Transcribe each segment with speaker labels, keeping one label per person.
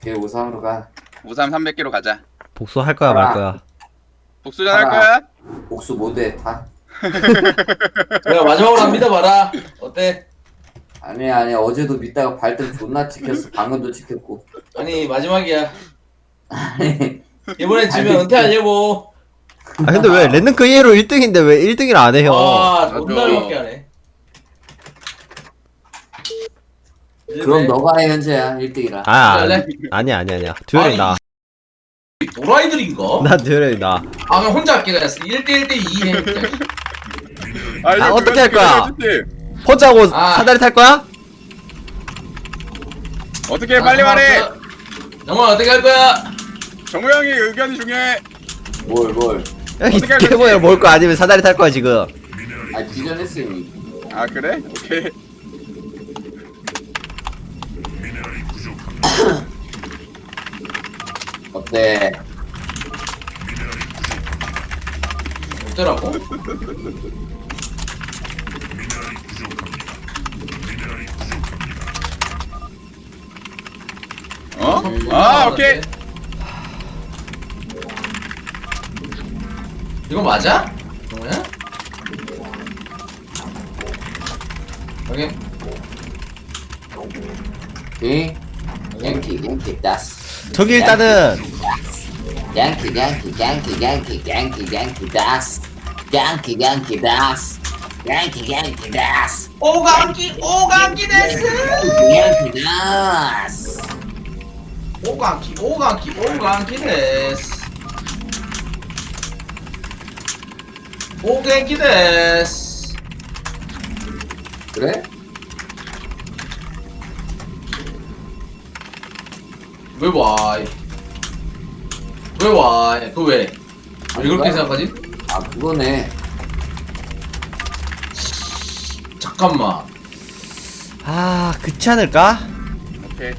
Speaker 1: 걔 우상으로 가.
Speaker 2: 우삼 300개로 가자.
Speaker 3: 복수할 거야 말 거야.
Speaker 2: 복수전 할
Speaker 1: 가라.
Speaker 2: 거야?
Speaker 1: 복수 못해 다.
Speaker 4: 내가 마지막으로 한 믿어봐라. 어때?
Speaker 1: 아니 어제도 믿다가 발등 존나 찍혔어. 방금도 찍혔고.
Speaker 4: 아니 마지막이야.
Speaker 1: 아니
Speaker 4: 이번엔 지면 은퇴 아니고.
Speaker 3: 아 근데 왜 랜덤크 이해로 1등인데 왜 1등을 안 해요?
Speaker 4: 아
Speaker 2: 맞아.
Speaker 4: 존나 밖에 안 해.
Speaker 1: 그럼 너가 해 현재야 1등이라.
Speaker 3: 아니야. 듀얼이 나.
Speaker 4: 도라이들인가?
Speaker 3: 나 듀얼이 나.
Speaker 4: 아 그럼 혼자 할게. 1대1대 2 해.
Speaker 3: 아, 어떻게 할 거야?
Speaker 2: 해줄게.
Speaker 3: 혼자 하고
Speaker 4: 아.
Speaker 3: 사다리 탈 거야?
Speaker 2: 어떻게 해, 빨리 말해.
Speaker 4: 정말 어떻게 할 거야?
Speaker 2: 정우 형이 의견이 중요해.
Speaker 1: 뭘?
Speaker 3: 야, 이
Speaker 2: 어떻게 할
Speaker 3: 개보야
Speaker 2: 거지?
Speaker 3: 먹을 거 아니면 사다리 탈 거야 지금.
Speaker 1: 아 기전했으니.
Speaker 2: 아 그래? 오케이.
Speaker 1: 어때?
Speaker 4: 어쩌라고?
Speaker 2: 어? 아 오케이.
Speaker 4: 이거 맞아? 정우야? 오케이.
Speaker 1: 오케이. 양키 다스.
Speaker 3: 저기 일단은
Speaker 1: 양키 다스. 양키 다스.
Speaker 4: 오강기 데스.
Speaker 1: 양키 다스.
Speaker 4: 오강기 데스. 오강기 데스.
Speaker 1: 그래?
Speaker 4: 왜 와? 왜 와? 그 왜? 왜 그렇게 생각하지?
Speaker 1: 아 그거네.
Speaker 4: 잠깐만.
Speaker 3: 아 그렇지 않을까?
Speaker 2: 오케이.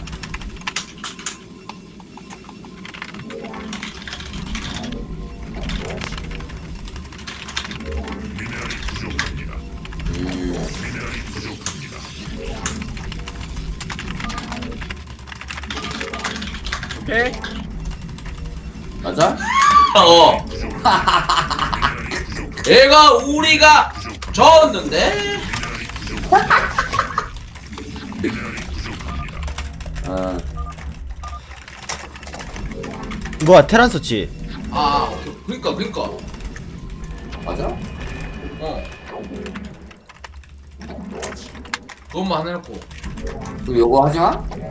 Speaker 2: 오케이.
Speaker 1: 맞아?
Speaker 4: 어. 얘가 우리가 졌는데.
Speaker 1: 어.
Speaker 3: 뭐야 테란 썼지?
Speaker 4: 아, 그러니까.
Speaker 1: 맞아?
Speaker 4: 어. 그것만 하나 해놓고.
Speaker 1: 그럼 요거 하지 마?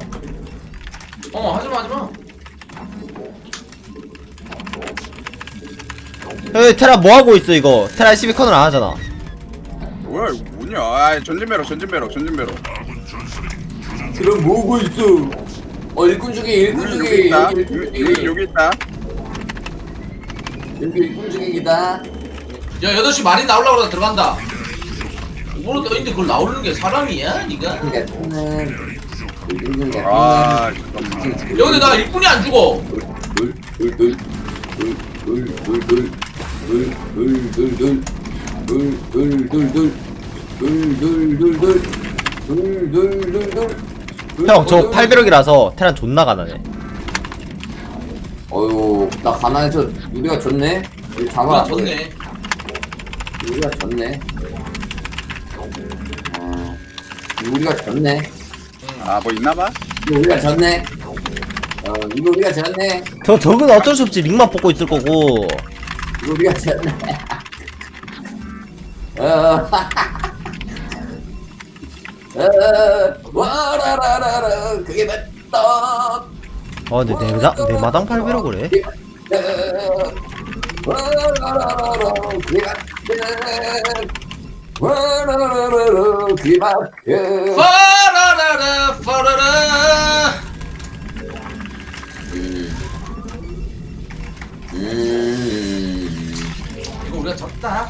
Speaker 4: 하지마.
Speaker 3: 야 테란 뭐 하고 있어 이거? 테란 12컨을 안 하잖아.
Speaker 2: 뭐야 이거 뭐냐? 아 전진배럭.
Speaker 1: 그럼 뭐고 있어? 일꾼 중에
Speaker 2: 여기 있다.
Speaker 1: 여기
Speaker 2: 여기 있다.
Speaker 1: 일꾼 중이다.
Speaker 4: 야, 8시 말이 나오려고 그러다 들어간다. 뭐로 떠있는데 그걸 나오는 게 사람이야, 니가?
Speaker 2: 아 잠깐만.
Speaker 4: 야, 근데 나 일꾼이 안 죽어.
Speaker 3: 형 저 800억이라서 테란 존나 가난해.
Speaker 1: 어휴 나 가난해서 우리가 졌네. 우리
Speaker 4: 아,
Speaker 1: 잡아.
Speaker 4: 졌네.
Speaker 1: 우리가 졌네. 우리가 졌네.
Speaker 2: 아 뭐 있나봐?
Speaker 1: 이거 우리가 졌네. 이거 우리가 졌네.
Speaker 3: 저건 어쩔 수 없지. 링만 뽑고 있을 거고.
Speaker 1: 이거 우리가 졌네. 와라라라라 그게 맞다.
Speaker 3: 근데 내 마당 800억을 해?
Speaker 1: 와라라라라 그게 맞다. 와라라라라 그게 맞다.
Speaker 4: 파라라라. 이거 우리가 졌다.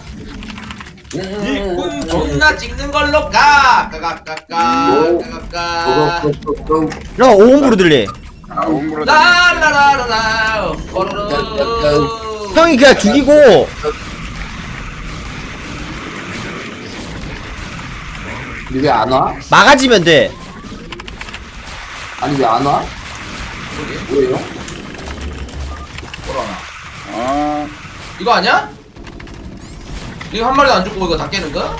Speaker 4: 일꾼 존나 찍는 걸로 가. 까까까까까까.
Speaker 3: 야 오음부로 들리.
Speaker 2: 아 옴브로.
Speaker 4: 라라라라라. 포로로.
Speaker 3: 형이 그냥 죽이고
Speaker 1: 왜 안 와?
Speaker 3: 막아지면 돼.
Speaker 1: 아니 왜 안 와?
Speaker 4: 그러게.
Speaker 1: 뭐예요?
Speaker 4: 뭐라나.
Speaker 2: 아
Speaker 4: 이거 아니야? 이거 한 마리도 안 죽고 이거 다 깨는 거야?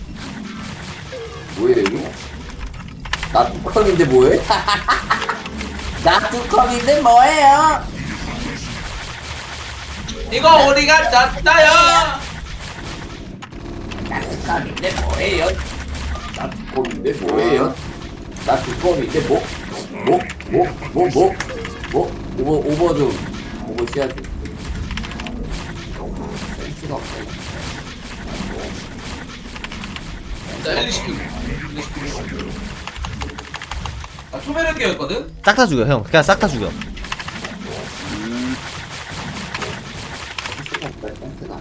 Speaker 1: 뭐예요 이거? 나 뚜껑인데 뭐해? 나 뚜껑인데 뭐예요?
Speaker 4: 이거 우리가 짰다요.
Speaker 1: 나 뚜껑인데 뭐예요? 나 뚜껑인데 뭐예요? 나 뚜껑인데 뭐? 오버 좀 오버 시야지. 센스가 없네.
Speaker 4: 자, 엘리 시키고. 아, 초배력이었거든?
Speaker 3: 싹 다 죽여 형. 그냥 싹 다 죽여.
Speaker 1: 센스가 없다 센스가.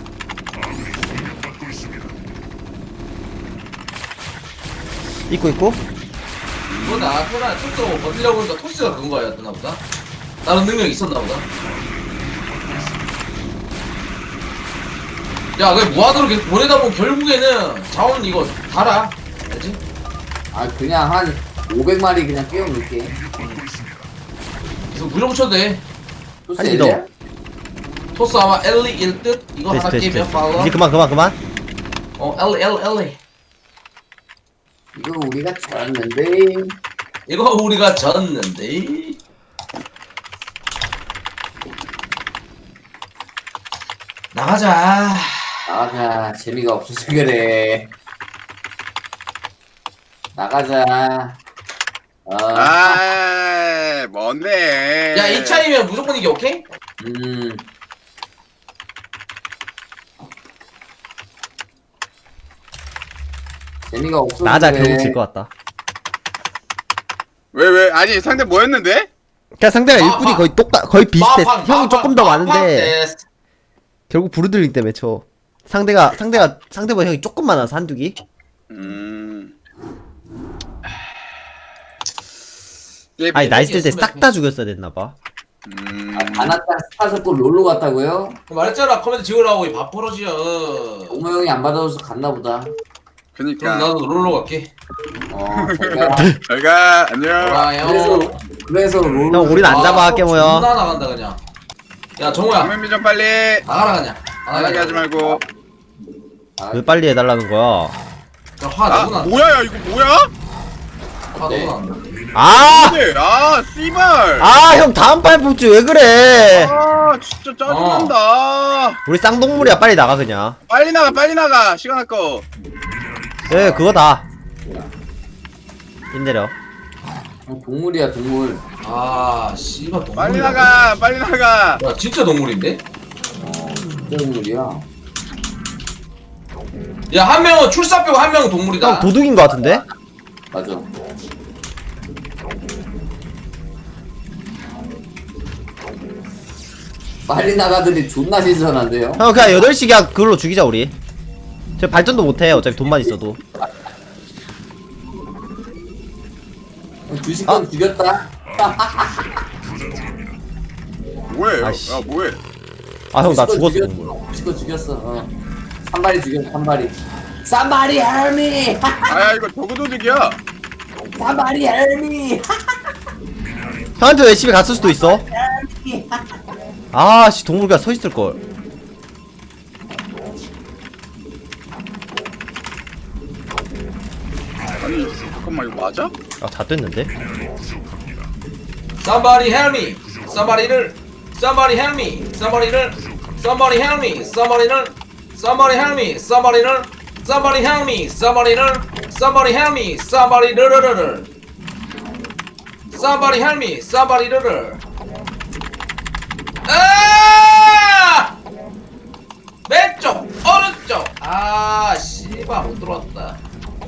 Speaker 3: 있고.
Speaker 4: 이거 나, 토스가 버티려고 하니까 토스가 그런 거였나 보다. 다른 능력이 있었나 보다. 야, 그냥 무한으로 계속 보내다 보면 결국에는 자원 이거 달아. 알지?
Speaker 1: 아 그냥 한 500마리 그냥 끼워 넣을게.
Speaker 4: 계속 물려붙여도 돼.
Speaker 1: 토스
Speaker 3: 아니,
Speaker 1: 엘리야?
Speaker 4: 토스 아마 엘리일 듯? 이거 하나 깨면 팔로.
Speaker 3: 이제 그만.
Speaker 4: 엘리.
Speaker 1: 이거 우리가 졌는데.
Speaker 4: 이거 우리가 졌는데. 나가자.
Speaker 1: 나가자. 재미가 없어서 그래. 나가자.
Speaker 2: 아 뭔데?
Speaker 4: 야, 이 차이면 무조건 이게 오케이?
Speaker 1: 재미가 없어서
Speaker 3: 나자
Speaker 1: 그래.
Speaker 3: 결국 질 것 같다.
Speaker 2: 왜 아니 상대 뭐였는데?
Speaker 3: 그냥 상대가 일꾼이 거의 비슷해. 형이 조금 더 많은데
Speaker 4: 데스.
Speaker 3: 결국 부르들링 때문에 쳐. 상대보다 형이 조금 많아서 한두기. 아니 나 있을 때 싹 다 죽였어야 됐나봐.
Speaker 1: 아나타 스타서 또 롤로 갔다고요?
Speaker 4: 말했잖아, 커맨드 지우라고 이 밥버러지야.
Speaker 1: 동호 형이 안 받아줘서 갔나 보다.
Speaker 4: 그럼
Speaker 2: 그니까
Speaker 4: 나도 롤러 갈게.
Speaker 1: 제가
Speaker 2: 저희가 안녕.
Speaker 4: 좋아요.
Speaker 1: 그래서 롤로.
Speaker 3: 형 우린 안 잡아 깨모여.
Speaker 4: 존나 나간다 그냥. 야, 정우야.
Speaker 2: 장면미 좀 빨리
Speaker 4: 나가라 그냥.
Speaker 2: 안하게 하지 말고.
Speaker 3: 왜 빨리 해달라는 거야?
Speaker 4: 야, 화
Speaker 2: 아
Speaker 4: 너무 난다.
Speaker 2: 뭐야 야 이거 뭐야?
Speaker 4: 화
Speaker 1: 네.
Speaker 4: 너무 난다.
Speaker 3: 아!
Speaker 2: 근데 아 씨발.
Speaker 3: 아 형 다음 판 뽑지 왜 그래?
Speaker 2: 아 진짜 짜증난다.
Speaker 3: 우리 쌍동물이야 빨리 나가 그냥.
Speaker 2: 빨리 나가 시간 아까워.
Speaker 3: 예 그거다. 힘내려.
Speaker 1: 동물이야 동물.
Speaker 4: 아, 씨발 동물.
Speaker 2: 빨리 나가.
Speaker 4: 야, 진짜 동물인데?
Speaker 1: 진짜 동물이야.
Speaker 4: 야, 한 명은 출사 빼고 한 명은 동물이다.
Speaker 3: 형 도둑인 거 같은데?
Speaker 1: 맞아. 빨리 나가더니 존나 신선한데요?
Speaker 3: 형 그냥 8시 그냥 그걸로 죽이자 우리. 저 발전도 못해 어차피 돈만 있어도.
Speaker 1: 2시간 죽였다.
Speaker 2: 뭐해?
Speaker 3: 아이씨.
Speaker 2: 야 뭐해?
Speaker 3: 아 형 나
Speaker 1: 2시간
Speaker 3: 죽었어
Speaker 1: 죽였-
Speaker 3: 동물.
Speaker 1: 2시간 죽였어. 3마리 죽였어 3마리. Somebody help me!
Speaker 2: 아야 이거 저그도둑이야.
Speaker 1: Somebody help me!
Speaker 3: 형한테 왜 집에 갔을 수도 있어. 아씨 동물 그냥 서 있을 걸.
Speaker 2: 아니 잠깐만 이거 맞아?
Speaker 3: 아 다 됐는데?
Speaker 4: Somebody help me. Somebody help me. Somebody help me. Somebody help me. Somebody help me. Somebody help me. Somebody help me. Somebody. 아! 왼쪽, 오른쪽. 아, 씨발 못 들어왔다.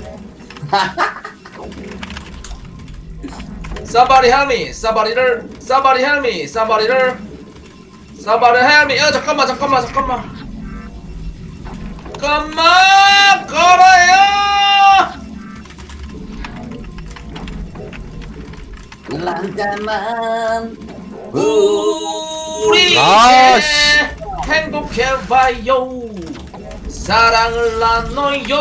Speaker 4: Somebody help me. Somebody help me. Somebody help me. 야, 잠깐만. 걸어요.
Speaker 1: 잠깐만.
Speaker 4: 우리
Speaker 3: 아,
Speaker 4: 이제 행복해봐요. 사랑을 나눠요.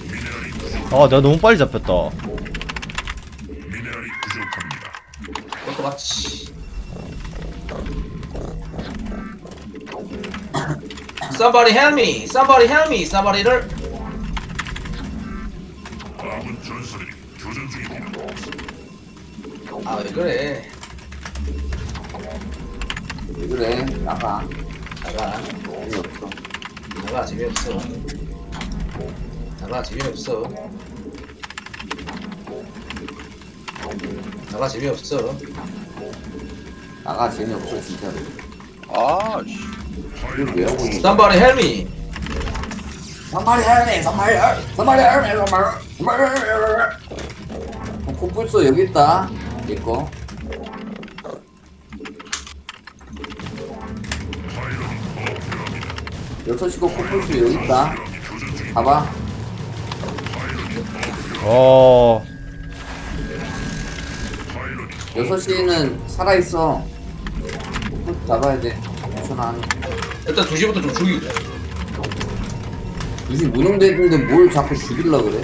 Speaker 3: 아 내가 너무 빨리 잡혔다.
Speaker 4: 같이. Somebody help me. Somebody help me. Somebody를. 아 왜 그래?
Speaker 1: 왜 그래? 나가.
Speaker 4: 나가.
Speaker 1: 재미없어.
Speaker 4: 나가 재미없어. 나가 재미없어. 나가 재미없어.
Speaker 1: 나가 재미없어 진짜로.
Speaker 2: 아 씨.
Speaker 1: 이걸 왜 하고 있는 거야?
Speaker 4: Somebody help me.
Speaker 1: somebody help me, somebody help, somebody help me, somebody help me. 코뿔소 여기 있다. 내 거. 여섯 시고 코뿔소 여기 있다. 봐봐.
Speaker 3: 어.
Speaker 1: 6시는 살아있어. 코뿔소 잡아야 돼. 괜찮아.
Speaker 4: 일단 2시부터 좀 죽이자.
Speaker 1: 2시 무능되는데 뭘 자꾸 죽일라 그래?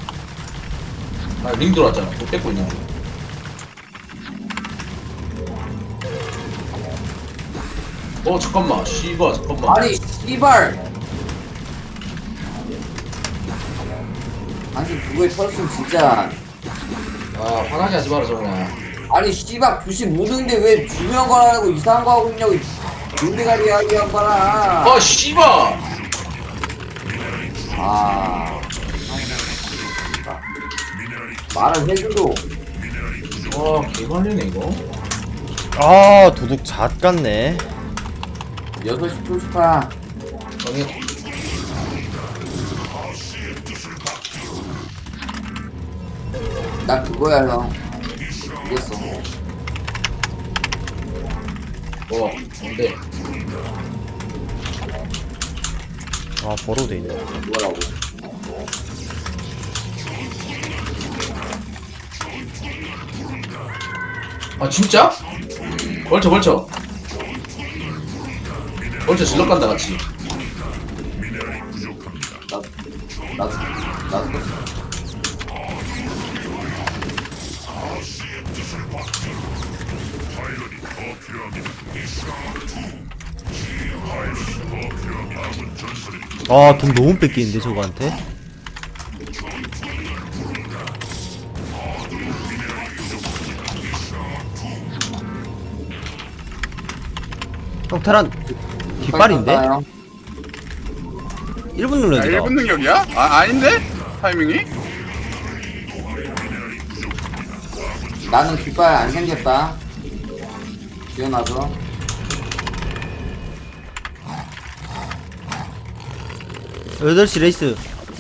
Speaker 4: 아, 링 들어왔잖아. 또 뺏고 있는 거. 잠깐만. 씨발, 잠깐만.
Speaker 1: 아니 씨발. 아니 그거에 털었으면 진짜.
Speaker 4: 아, 화나게 하지 마라, 정우야.
Speaker 1: 아니 씨발 2시 무능인데 왜 중요한 거 안 하고 이상한 거 하고 있냐고. 눈대가리 이야기한 거라.
Speaker 4: 아, 씨발!
Speaker 1: 아. 말을 해줘도.
Speaker 4: 와, 개말리네, 이거.
Speaker 3: 아, 도둑 잣 같네.
Speaker 1: 6시 풀스파.
Speaker 4: 정해.
Speaker 1: 나 그거야 형. 이겼어.
Speaker 4: 뭔데?
Speaker 3: 아, 버로도 돼 있네.
Speaker 1: 뭐라고.
Speaker 4: 아, 진짜? 벌쳐, 벌쳐. 벌쳐 질러 간다, 같이.
Speaker 1: 나도
Speaker 3: 아, 돈 너무 뺏기는데, 저거한테? 형, 테란, 깃발인데? 1분
Speaker 2: 야,
Speaker 3: 눌러야 돼.
Speaker 2: 1분 능력이야? 아 아닌데? 타이밍이?
Speaker 1: 나는 깃발 안 생겼다. 지어놔서.
Speaker 3: 여덟 시 레이스.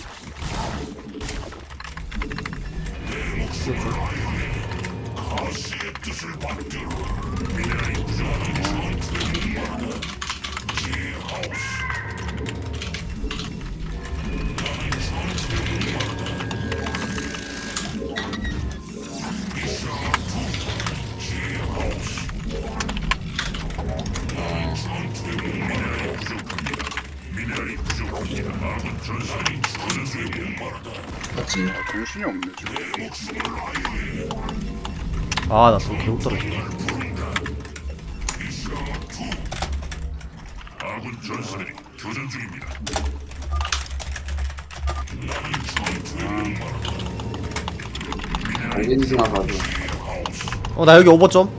Speaker 4: 맞지?
Speaker 2: 아, 정신이 없네 지금.
Speaker 3: 아, 나 돈 개못 떨어지네.
Speaker 1: 알겠지나 봐도.
Speaker 3: 나 여기 오버점.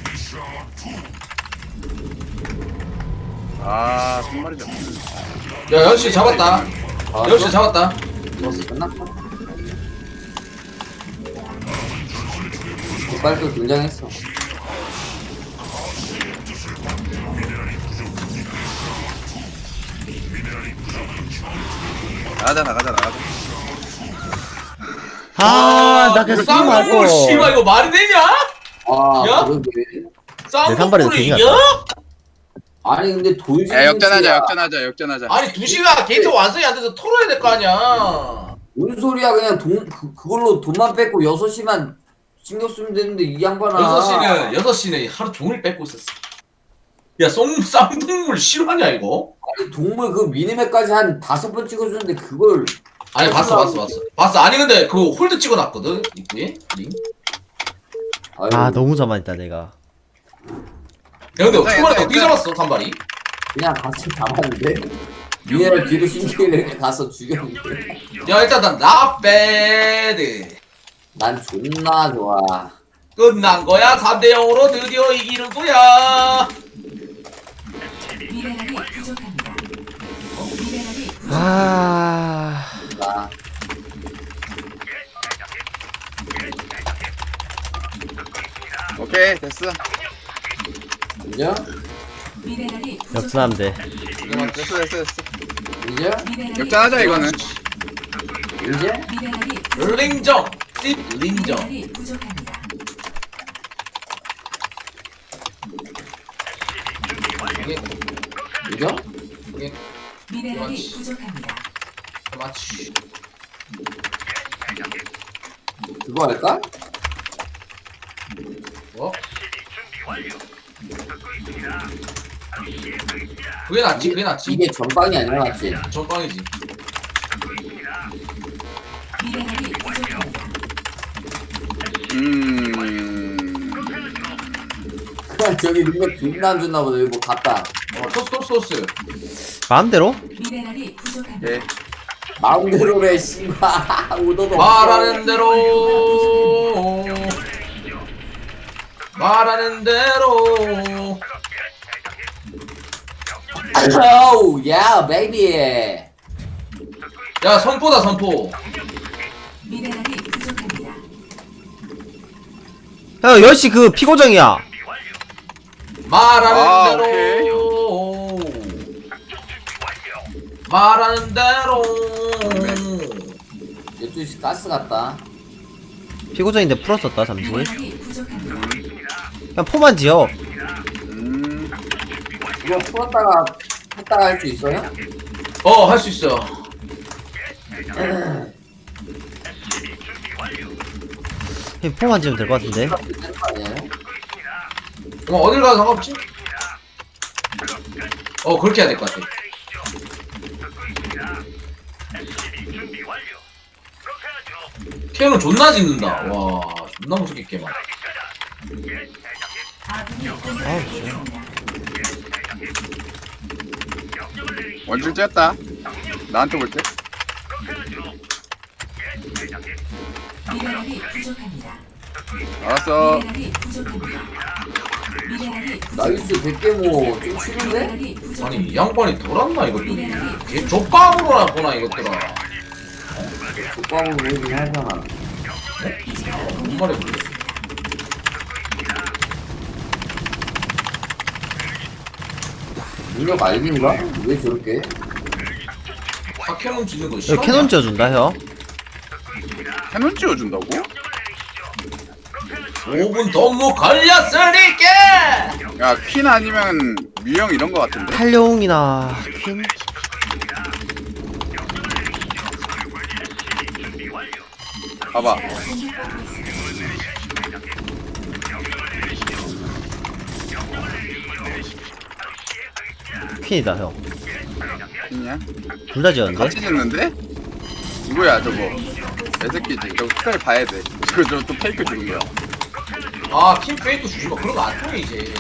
Speaker 2: 아 손말이 잡네.
Speaker 4: 야, 6시 잡았다. 6시 잡았다.
Speaker 1: 끝났다. 깃발도 등장했어.
Speaker 2: 나가자.
Speaker 3: 아, 나 그래서 지금 할 거.
Speaker 4: 씨발, 이거 말이 되냐?
Speaker 1: 아,
Speaker 4: 야?
Speaker 1: 그러게.
Speaker 3: 산발에도
Speaker 4: 쌍둥이를
Speaker 3: 괜히
Speaker 4: 이겨?
Speaker 1: 아니 근데 돌지.
Speaker 2: 야 역전하자.
Speaker 4: 아니 2시가 게이트 완성이 안 돼서 털어야 될 거 아니야.
Speaker 1: 뭔 소리야? 그냥 그걸로 돈만 뺏고 6시만 신경 쓰면 되는데 이 양반아.
Speaker 4: 6시는 하루 종일 뺏고 있었어. 야, 쌍둥이를 싫어하냐 이거?
Speaker 1: 아니 동물 그 미니맵까지 한 5번 찍어주는데 그걸.
Speaker 4: 아니 봤어. 아니 근데 그 홀드 찍어놨거든 입구에 링.
Speaker 1: 아유,
Speaker 3: 아 너무 자만했다 내가.
Speaker 4: 야 근데 초반에
Speaker 2: 괜찮아,
Speaker 4: 어떻게 잡았어 산발이?
Speaker 1: 그냥 같이 잡았는데 미네랄 뒤로 신기를 이렇게 가서 죽였는데
Speaker 4: 야 일단 난 not bad.
Speaker 1: 난 존나 좋아.
Speaker 4: 끝난 거야. 3대 0으로 드디어 이기는 거야.
Speaker 5: 미네랄이 부족합니다. 미네랄이 부족.
Speaker 3: 아
Speaker 1: 나
Speaker 2: 오케이 됐어.
Speaker 1: 인정?
Speaker 5: 미네랄이
Speaker 3: 역전하면 돼.
Speaker 2: 됐어.
Speaker 1: 인정?
Speaker 5: 미네랄이
Speaker 2: 역전하자 이거는.
Speaker 1: 인정?
Speaker 5: 미네랄이
Speaker 4: 링정. 씹 링정.
Speaker 5: 미네랄이 부족합니다.
Speaker 1: 인정?
Speaker 5: 미네랄이
Speaker 4: 그렇지.
Speaker 5: 부족합니다.
Speaker 4: 맞지.
Speaker 1: 그거 할까?
Speaker 4: 어? 그게 낫지. 그게 낫지.
Speaker 1: 이게 전방이 아니라 맞지?
Speaker 4: 전광이지.
Speaker 5: 미네랄이 부족합니다.
Speaker 1: 저기 능력 존나 안 줬나 보다. 여기 뭐 갔다.
Speaker 4: 토스.
Speaker 3: 마음대로?
Speaker 5: 미네랄이 부족합니다.
Speaker 2: 오케이.
Speaker 1: 마음대로래 씨발. 오도도
Speaker 4: 말하는 대로. 말하는 대로.
Speaker 1: 오우 야 베이비.
Speaker 4: 야 선포다 선포.
Speaker 5: 미네랄이 부족합니다.
Speaker 3: 형 10시 그 피고정이야.
Speaker 4: 말하는 대로. 말하는 대로.
Speaker 1: 12시 가스 갔다.
Speaker 3: 피고정인데 풀었었다 잠시.
Speaker 5: 미네랄이 부족합니다.
Speaker 3: 그냥 포만 지어.
Speaker 1: 이거 풀었다가 했다가 할 수 있어요?
Speaker 4: 할 수 있어.
Speaker 3: 그냥 포만 지으면 될 것 같은데.
Speaker 1: 되는 거 아니에요?
Speaker 4: 어딜 가도 상관없지? 그렇게 해야 될 것 같아. 캐논 존나 짓는다. 와, 존나 무섭게 깨만.
Speaker 5: 아군이 공격받고 있습니다.
Speaker 2: 원줄 쬐었다. 나한테 볼 때.
Speaker 5: 미네랄이 부족합니다.
Speaker 2: 알았어.
Speaker 5: 미네랄이 부족합니다. 미네랄이
Speaker 1: 나이스 100개모 좀 싫은데?
Speaker 5: 미네랄이 부족합니다.
Speaker 4: 아니, 이 양반이 돌았나, 이것들이. 걔 족밥으로나 보나, 이것들아.
Speaker 1: 족방으로 보이긴 하잖아.
Speaker 4: 뭔 말이 모르겠어.
Speaker 1: 능력 알긴가? 왜 저렇게?
Speaker 4: 캐논 짓는 거
Speaker 3: 여기
Speaker 4: 싫어?
Speaker 3: 캐논 지어준다 형.
Speaker 2: 캐논 찌워준다고?
Speaker 4: 5분 동무 걸렸으니까!
Speaker 2: 야 퀸 아니면 뮤형 이런 거 같은데.
Speaker 3: 탈룡이나 퀸.
Speaker 2: 봐봐.
Speaker 3: 퀸이다 형.
Speaker 2: 퀸이야?
Speaker 3: 둘 다 지었는데?
Speaker 2: 같이 짓는데? 누구야 저거? 내 새끼지. 저거 끝까지 봐야 돼. 저거 또 페이크 주는 거야.
Speaker 4: 아, 팀 페이크 주지 마. 그런 거 안 통해, 이제.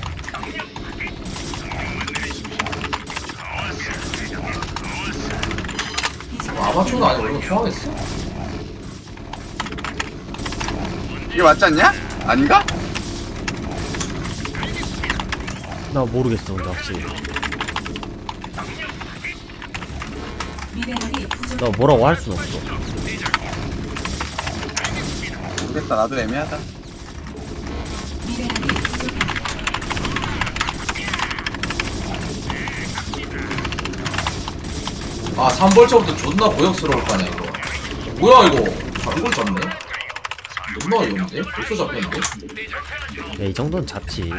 Speaker 4: 아마추어도 아니고 이런 거 통하겠어?
Speaker 2: 이게 맞지 않냐? 아닌가?
Speaker 3: 나 모르겠어 근데 확실히.
Speaker 5: 미네랄이 부족.
Speaker 3: 나 뭐라고 할 순 없어.
Speaker 2: 모르겠다. 나도 애매하다.
Speaker 5: 미네랄이 부족합니다.
Speaker 4: 아, 3벌처부터 존나 고역스러울 거 아니야, 이거. 뭐야, 이거. 이걸 잡네? 존나 어이없는데? 벌써 잡혔는데?
Speaker 3: 야 이 정도는 잡지.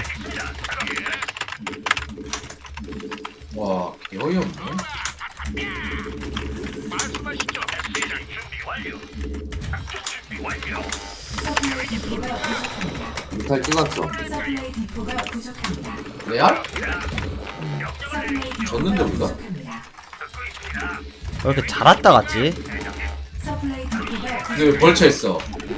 Speaker 4: 와, 개 어이없네?
Speaker 5: 서플라이 디포가 부족합니다.
Speaker 1: 뮤탈 찍었어.
Speaker 5: 서플라이 디포가 부족합니다.
Speaker 4: 레알?
Speaker 5: 서플라이 디포가
Speaker 4: 졌는데, 우리가?
Speaker 5: 부족합니다.
Speaker 3: 왜 이렇게 잘 왔다 갔지?
Speaker 5: 서플라이 디포가
Speaker 4: 근데 왜 벌처 했어?